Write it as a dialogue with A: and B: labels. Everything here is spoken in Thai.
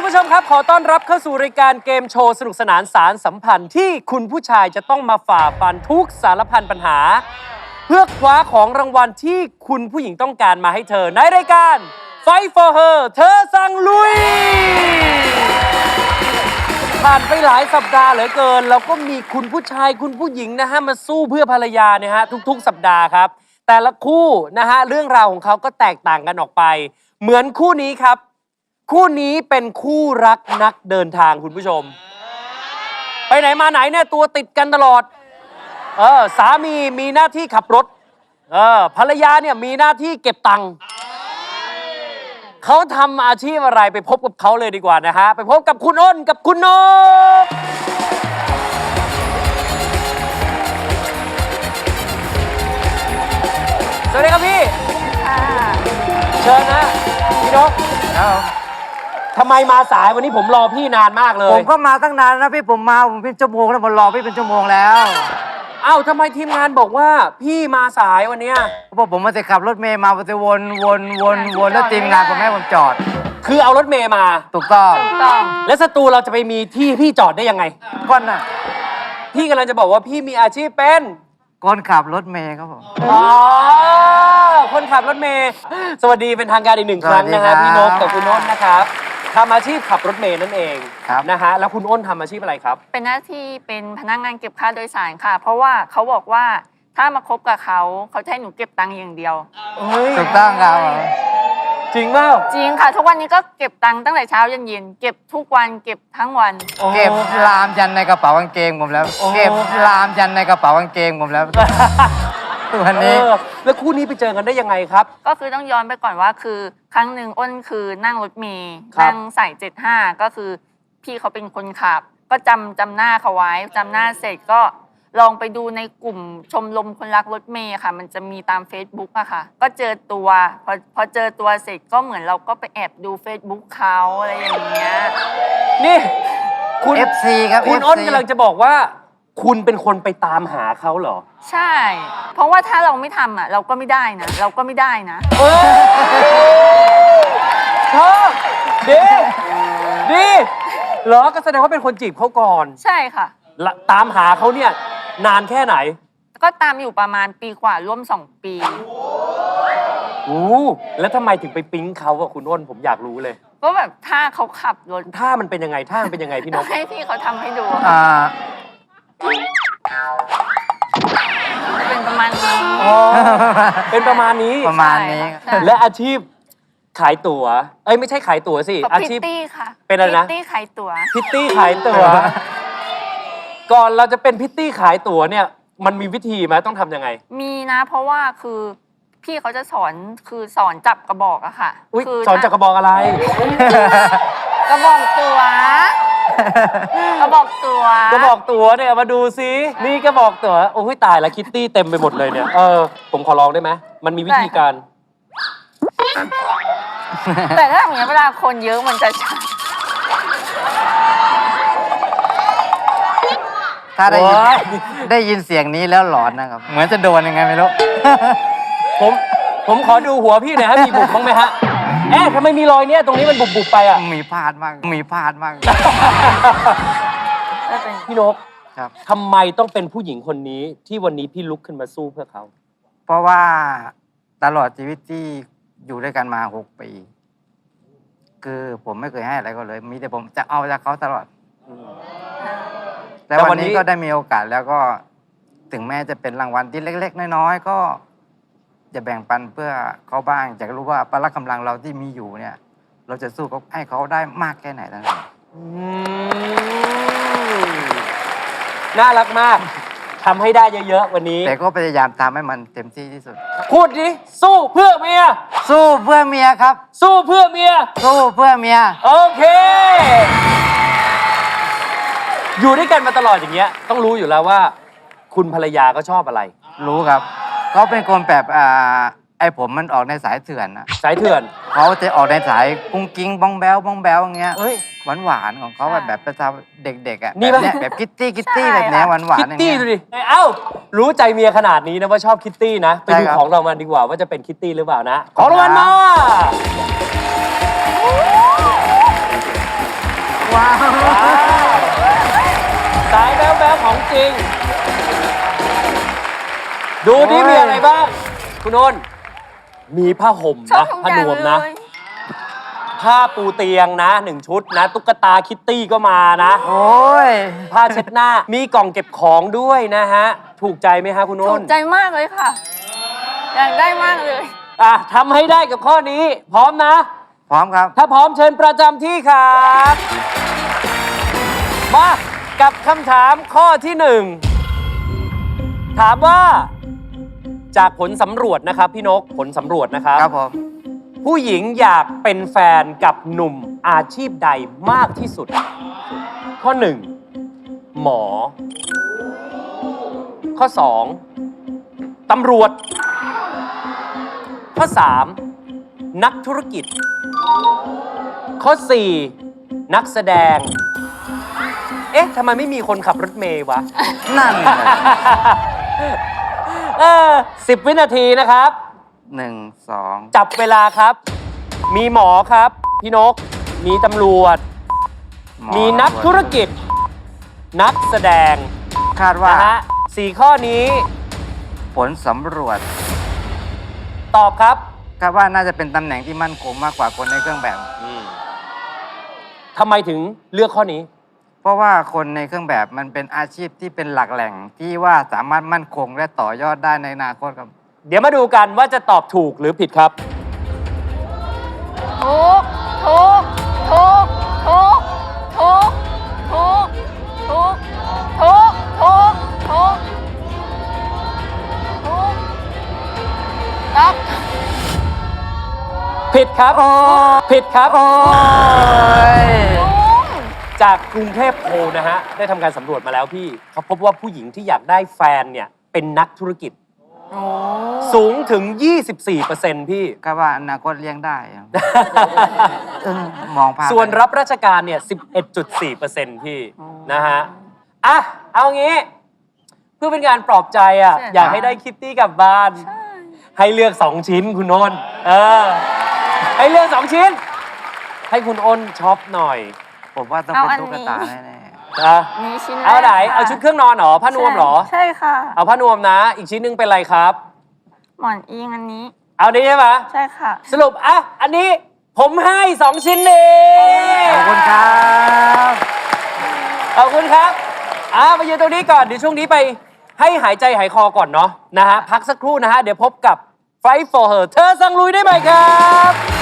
A: ผู้ชมครับขอต้อนรับเข้าสู่รายการเกมโชว์สนุกสนานสารสัมพันธ์ที่คุณผู้ชายจะต้องมาฝ่าฟันทุกสารพันปัญหาเพื่อคว้าของรางวัลที่คุณผู้หญิงต้องการมาให้เธอในรายการ Fight for Her เธอสั่งลุยผ่านไปหลายสัปดาห์เหลือเกินแล้วก็มีคุณผู้ชายคุณผู้หญิงนะฮะมาสู้เพื่อภรรยาเนี่ยฮะทุกๆสัปดาห์ครับแต่ละคู่นะฮะเรื่องราวของเขาก็แตกต่างกันออกไปเหมือนคู่นี้ครับคู่นี้เป็นคู่รักนักเดินทางคุณผู้ชมไปไหนมาไหนเนี่ยตัวติดกันตลอดสามีหน้าที่ขับรถภรรยาเนี่ยมีหน้าที่เก็บตังค์เขาทำอาชีพอะไรไปพบกับเขาเลยดีกว่านะฮะไปพบกับคุณอ้นกับคุณนกสวัสดีครับพี่เชิญนะพี่นกทำไมมาสายวันนี้ผมรอพี่นานมากเลย
B: ผมก็มาตั้งนานนะพี่ผมเป็นชั่วโมงแล้วผมรอพี่เป็นชั่วโมงแล้ว
A: เอ้าทำไมทีมงานบอกว่าพี่มาสายวันเนี้ย
B: เพราะผมมาจะขับรถเมย์มาจะวนแล้วทีมงานผมให้ผมจอด
A: คือเอารถเมย์มา
B: ถูกต้อง
A: แล้วสตูเราจะไปมีที่พี่จอดได้ยังไง
B: ก้อนน่ะ
A: พี่กำลังจะบอกว่าพี่มีอาชีพเป็น
B: คนขับรถเมย์ครับผม
A: คนขับรถเมย์สวัสดีเป็นทางการอีกหนึ่งครั้งนะครับพี่นกกับคุณอ้นนะครับทำอาชีพขับรถเมย์นั่นเองนะฮะแล้วคุณอ้นทำอาชีพอะไรครับ
C: เป็นหน้าที่เป็นพนักงานเก็บค่าโดยสารค่ะเพราะว่าเขาบอกว่าถ้ามาคบกับเขาจะให้หนูเก็บตังค์อย่างเดียว
B: ถูกต้องครับ
A: จริงเปล่า
C: จริงค่ะทุกวันนี้ก็เก็บตังค์ตั้งแต่เช้ายันเย็นเก็บทุกวันเก็บทั้งวัน
B: เก็บลามยันในกระเป๋ากางเกงผมแล้วเก็บลามยันในกระเป๋ากางเกงผมแล้ววันนี้
A: แล้วคู่นี้ไปเจอกันได้ยังไงครับ
C: ก็คือต้องย้อนไปก่อนว่าคือครั้งหนึ่งอ้นคือนั่งรถเมล์นั่งสาย75ก็คือพี่เขาเป็นคนขับก็จำหน้าเขาไว้จำหน้าเสร็จก็ลองไปดูในกลุ่มชมรมคนรักรถเมล์ค่ะมันจะมีตาม Facebook อะค่ะก็เจอตัวพอเจอตัวเสร็จก็เหมือนเราก็ไปแอบดู Facebook เขาอะไรอย่างเงี้ย
A: นี่คุณ
B: FC ครับ
A: คุณอ้นกำลังจะบอกว่าคุณเป็นคนไปตามหาเขาเหรอ
C: ใช่เพราะว่าถ้าเราไม่ทำอะเราก็ไม่ได้นะช
A: อบดีเหรอก็แสดงว่าเป็นคนจีบเขาก่อน
C: ใช่ค่ะ
A: ตามหาเขาเนี่ยนานแค่ไหน
C: ก็ตามอยู่ประมาณปีกว่าร่วม2 ปี
A: แล้วทำไมถึงไปปิ๊งเขาอะคุณอ้นผมอยากรู้เลย
C: ก็แบบถ้าเขาขับรถ
A: ถ้ามันเป็นยังไงพี่นก
C: ให้พี่เขาทำให้ดูเป็นประมาณนี้
A: เป็นประมาณนี้และอาชีพขายตั๋วไม่ใช่ขายตั๋วสิอาชีพ
C: พิตตี้ค่ะ
A: เป็นอะไรนะ
C: พิตตี้ขายตั๋ว
A: ก่อนเราจะเป็นพิตตี้ขายตั๋วเนี่ยมันมีวิธีไหมต้องทำยังไง
C: มีนะเพราะว่าคือพี่เขาจะสอนจับกระบอกอะค่ะ
A: สอนจับกระบอกอะไร
C: กระบอกตั๋วกระบอกตั๋ว
A: เนี่ยมาดูซินี่กระบอกตั๋วโอ้ยตายแล้วคิตตี้เต็มไปหมดเลยเนี่ยผมขอลองได้ไหมมันมีวิธีการ
C: แต่ถ้าอย่างนี้เวลาคนเยอะมันจะชัด
B: ถ้าได้ยินเสียงนี้แล้วหลอนนะครับเหมือนจะโดนยังไงไม่รู้
A: ผมขอดูหัวพี่หน่อยฮะมีบุบบ้างไหมฮะทำไมมีรอยเนี่ยตรงนี้มันบุบไปอ่ะ
B: มีพลาดมาก
A: พี่นกครับทำไมต้องเป็นผู้หญิงคนนี้ที่วันนี้พี่ลุกขึ้นมาสู้เพื่อเขา
B: เพราะว่าตลอดชีวิตที่อยู่ด้วยกันมา6 ปีคือผมไม่เคยให้อะไรเขาเลยมีแต่ผมจะเอาจากเขาตลอดแต่วันนี้ก็ได้มีโอกาสแล้วก็ถึงแม้จะเป็นรางวัลที่เล็กๆน้อยๆก็จะแบ่งปันเพื่อเขาบ้างจะรู้ว่าพละกำลังเราที่มีอยู่เนี่ยเราจะสู้เขาให้เขาได้มากแค่ไหนนั่นเอง
A: น่ารักมากทำให้ได้เยอะๆวันนี้
B: แต่ก็พยายามทำให้มันเต็มที่ที่สุด
A: พูดดิสู้เพื่อเมียครับ
B: สู้เพื่อเมีย
A: โอเคอยู่ด้วยกันมาตลอดอย่างเงี้ยต้องรู้อยู่แล้วว่าคุณภรรยาก็ชอบอะไร
B: รู้ครับเขาเป็นคนแบบไอ้ผมมันออกในสายเถื่อนนะ
A: สายเถื่อน
B: เขาจะออกในสายกุ้งกิ้งบ้องแบ้วอย่างเงี้ยหวานของเขาแบบประจำเด็กๆอ่ะแบบคิตตี้แบบนี้หวาน
A: คิตตี้ดูดิรู้ใจเมียขนาดนี้นะว่าชอบคิตตี้นะไปดูของรางวัลดีกว่าว่าจะเป็นคิตตี้หรือเปล่านะของรางวัลมา
B: ว้าว
A: สายแบ๊วๆของจริง ดูที่มีอะไรบ้าง คุณนนท์มีผ้าห่ม
C: ชอบ
A: นะ
C: ทุก
A: ผ้า
C: อน ย่าง
A: วม
C: เล
A: นะ
C: ย
A: ผ้าปูเตียงนะ1 ชุดนะ ตุ๊กตาคิตตี้ก็มานะ
B: โอ้ย
A: ผ้าเช็ดหน้า มีกล่องเก็บของด้วยนะฮะ ถูกใจไหมฮะคุณน
C: ถู
A: น
C: ก
A: ท์
C: ใจมากเลยค่ะ อยากได้มากเลย
A: อ่ะทำให้ได้กับข้อนี้ พร้อมนะ
B: พร้อมครับ
A: ถ้าพร้อมเชิญประจำที่ครับ มากับคำถามข้อที่ 1 ถามว่าจากผลสำรวจนะครับพี่นกผลสำรวจนะครับ
B: ครับผม
A: ผู้หญิงอยากเป็นแฟนกับหนุ่มอาชีพใดมากที่สุด ข้อ 1 หมอ ข้อ 2 ตำรวจ ข้อ 3 นักธุรกิจ ข้อ 4 นักแสดง เอ๊ะทำไมไม่มีคนขับรถเมย์วะ
B: นั่น
A: 10 วินาทีนะครับ
B: 1 2
A: จับเวลาครับ มีหมอครับ พี่นก มีตำรวจ
B: หอ
A: มีนักธุรกิจ นักแสดง
B: คาดว่า
A: นะฮะ4 ข้อนี้
B: ผลสำรวจ
A: ตอบครับ
B: คาดว่าน่าจะเป็นตำแหน่งที่มั่นคงมากกว่าคนในเครื่องแบบ
A: ทำไมถึงเลือกข้อนี้
B: เพราะว่าคนในเครื่องแบบมันเป็นอาชีพที่เป็นหลักแหล่งที่ว่าสามารถมั่นคงและต่อยอดได้ในอนาคตครับ
A: เดี๋ยวมาดูกันว่าจะตอบถูกหรือผิดครับ
C: ถูก ถูก ถูก ถูก ถูก ถูก ถูก ถูก ถูก ถูก ถูกนัก
A: ผิดครับ ผิดครับ
B: โอ้ย
C: ลุง
A: จากกรุงเทพโพลนะฮะ ได้ทำการสำรวจมาแล้วพี่ เขาพบว่าผู้หญิงที่อยากได้แฟนเนี่ย เป็นนักธุรกิจ
C: โอ้
A: สูงถึง 24%พี่
B: คาดว่าอนาคตเลี้ยงได้ครับ มองภาพ
A: ส่วนรับราชการเนี่ย 11.4%พี่ นะฮะ อ่ะ เอางี้ เพื่อเป็นการปลอบใจอ่ะ อยากให้ได้คิตตี้กลับบ้าน ให้เลือก 2 ชิ้นคุณโอนให้เลือก 2 ชิ้น ให้คุณอ้นช็อปหน่อย
B: ผมว่าต้องเป็นตุ๊กตาแน่
A: นะ
C: มีชิ้น
A: เอาไหน
C: แรกค่ะ
A: เอาชุดเครื่องนอนเหรอ ผ้านวมเหรอ
C: ใช่ค่ะ
A: เอาผ้านวมนะ อีกชิ้นหนึงเป็นอะไรครับ
C: หมอนอิงอันนี้
A: เอานี้ใช่ไหม
C: ใช่ค่ะ
A: สรุป อ่ะ อันนี้ผมให้ 2 ชิ้นนี้
B: ๆขอบคุณครับ
A: ขอบคุณครับ มายืนตรงนี้ก่อน เดี๋ยวช่วงนี้ไปให้หายใจหายคอก่อนเนาะนะฮะ พักสักครู่นะฮะ เดี๋ยวพบกับ Fight for Her เธอสั่งลุยได้ไหมครับ